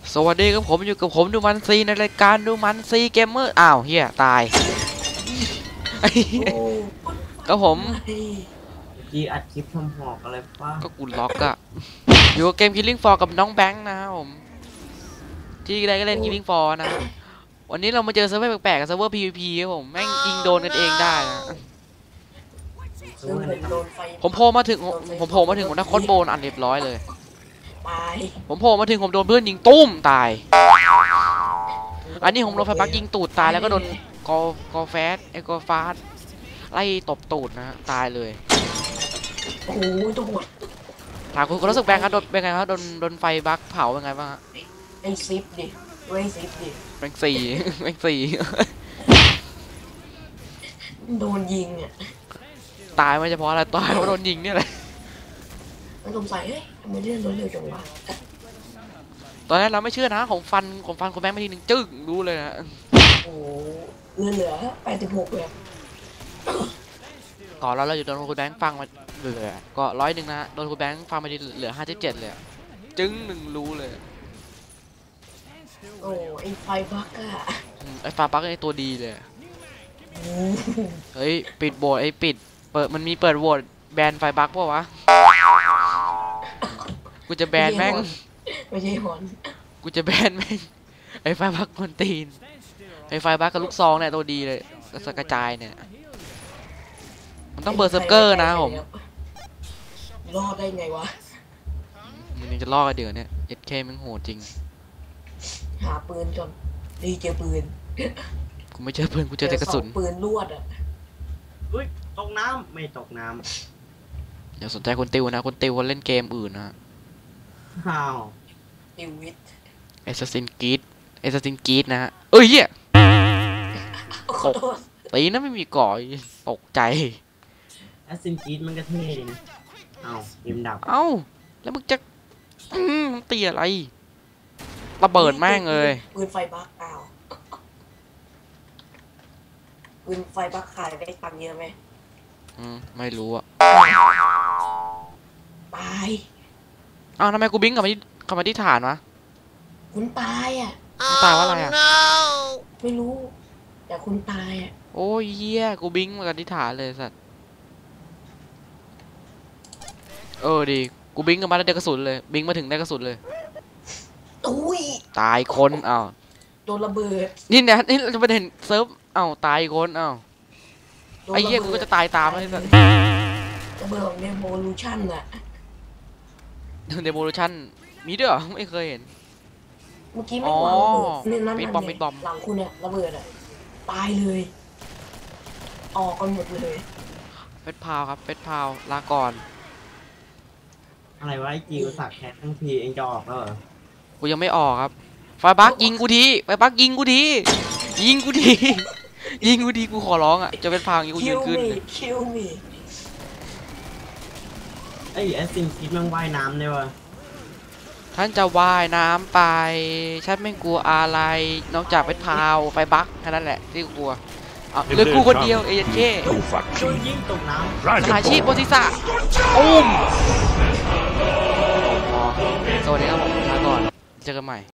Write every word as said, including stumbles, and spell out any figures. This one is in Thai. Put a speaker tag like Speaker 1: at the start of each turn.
Speaker 1: สวัสดีครับผมอยู่กับผมดูมันซีในรายการดูมันซีเกมเมอร์อ้าวเฮียตายก็ผม
Speaker 2: จีอัดคลิปทำหอกอะไรป้า
Speaker 1: ก็กูล็อกอะอยู่กับเกม Killing Floor กับน้องแบงค์นะครับผมที่ได้ก็เล่น Killing Floor นะวันนี้เรามาเจอเซิร์ฟเวอร์แปลกๆกับเซิร์ฟเวอร์ พี วี พี ครับผมแม่งยิงโดนกันเองได้นะผมโผล่มาถึงผมโผล่มาถึงผมได้คอนโบนอันเรียบร้อยเลยผมโผล่มาถึงผมโดนเพื่อนยิงตุ้มตายอันนี้ผมโดนไฟบักยิงตูดตายแล้วก็โดนกอกอแฟสไอ้กอฟาสไล่ตบตูดนะตายเลย
Speaker 3: โอ้โหตัวหมด
Speaker 1: ถามคุณรู้สึกแบงค์ครับโดนเป็นไงครับโดนโดนไฟบักเผาเป็นไงบ้าง
Speaker 3: ไอ้ซิปดิไอ้ซิปดิ
Speaker 1: แบงค์สี่แบงค์สี่
Speaker 3: โดนยิงอ่ะ
Speaker 1: ตายไม่เฉพาะอะไรตายเพราะโดนยิงเนี่ยแหละ
Speaker 3: มันสงสัยเฮ้ยทำไมเลื่อนรถเร็วจังวะ
Speaker 1: ตอนแรกเราไม่เชื่อนะของฟันของฟันคุณแบงค์ไม่ทีหนึ่งจึ๊กรู้เลยนะ
Speaker 3: โอ้เลื่อนเหลือแปดสิบหกเลย
Speaker 1: ก่อนเราเราอยู่โดนคุณแบงค์ฟังมาเหลือก็ร้อยหนึ่งนะโดนคุณแบงค์ฟังมาเหลือห้าสิบเจ็ดเลยจึ๊งหนึ่งรู้เลย
Speaker 3: โอ้ไอ้ไฟบักอะ
Speaker 1: ไอ้ฟาบักไอ้ตัวดีเลยเฮ้ยปิดโหวตไอ้ปิดเปิดมันมีเปิดโหวตแบนไฟบักป่าวะกูจะแบนแม่ง
Speaker 3: ไม่ใช่ฮอน
Speaker 1: กูจะแบนแม่งไอ้ไฟบักคนตีนไอ้ไฟบักกับลูกซองเนี่ยตัวดีเลยกระจายเนี่ยมันต้องเบอร์เซิร์ฟเกอร์นะผม
Speaker 3: รอดได้ไงวะ
Speaker 1: มันยังจะรอดกันเดี๋ยวเนี่ยเอสเคมันโหดจริง
Speaker 3: หาปืนก่อนดีเจอปืน
Speaker 1: กูไม่เจอปืนกูเจอแต่กระสุน
Speaker 3: ปืนลวดอ่ะ
Speaker 2: อุ้ยตกน้ำไม่ตกน้ำ
Speaker 1: อย่าสนใจคนติวนะคนติวคนเล่นเกมอื่นนะ
Speaker 2: อ้าว
Speaker 3: ติววิท
Speaker 1: เอสซินกรีดเอสซินกรีดนะฮะเอ้ยเหี้ยตกตีนะไม่มีก่อยตกใจ
Speaker 2: แอสซินกรีดมันก็เท่ดีนะเอ้าเกมดับ
Speaker 1: เอ้าแล้วมึงจะอืมตีอะไรระเบิดแม่งเลย
Speaker 3: ปืนไฟบักอ้าวปืนไฟบักขายได้ตังค์เยอะไหม
Speaker 1: อืมไม่รู้อะ
Speaker 3: ตาย
Speaker 1: อ้าวทำไมกูบิงกลับมาที่กลับมาที่ฐานวะ
Speaker 3: คุณตายอ่ะ
Speaker 1: ตายว่าอะไรอ่ะ
Speaker 3: ไม่รู้แต่คุณตายอ่ะ
Speaker 1: โอ้ยเฮียกูบิงมากันที่ฐานเลยสัตว์เออดีกูบิงกันมาแล้วได้กระสุนเลยบิงมาถึงได้กระสุนเลย
Speaker 3: อุ้ย
Speaker 1: ตายคนอ้าว
Speaker 3: โดนระเบิด
Speaker 1: นี่เนี่ยนี่จะไปเห็นเซิร์ฟอ้าวตายคนอ้าวไอ้เหี้ยกูก็จะตายตามเลยสัตว์
Speaker 3: ระเบิดของเดโมลูชั่นอะ
Speaker 1: เดโมลูชั่นมีด้วยเหรอไม่เคยเห็น
Speaker 3: เมื่อกี้ไม่วางระเบิดนี่นั่นนั่นเนี่ยหลังคุณเนี่ยระเบิดอะตายเลยออกกันหมดเลย
Speaker 1: เฟสพาวครับเฟสพาวลาก่อน
Speaker 2: อะไรวะไอ้จีกูสักแคททั้งทีเองจะออกแล้วเหรอ
Speaker 1: กูยังไม่ออกครับไฟบักยิงกูทีไฟบักยิงกูทียิงกูทียิงกูทีกูขอร้องอ่ะจะเป็นพาวยิงกูยืนขึ้น
Speaker 3: คิวมี
Speaker 2: ไอ้แอสซินคิดมันว่ายน้ำได้วะ
Speaker 1: ท่านจะว่ายน้ำไปฉันไม่กลัวอะไรนอกจากเป็นพาวไฟบักแค่นั้นแหละที่กลัวเหลือกูคนเดียวเอเจนเค
Speaker 2: โดนยิงตกน้
Speaker 1: ำสหายชีพบนศีรษะอุ้มสวัสดีครับผมลาก่อนเจอกันใหม่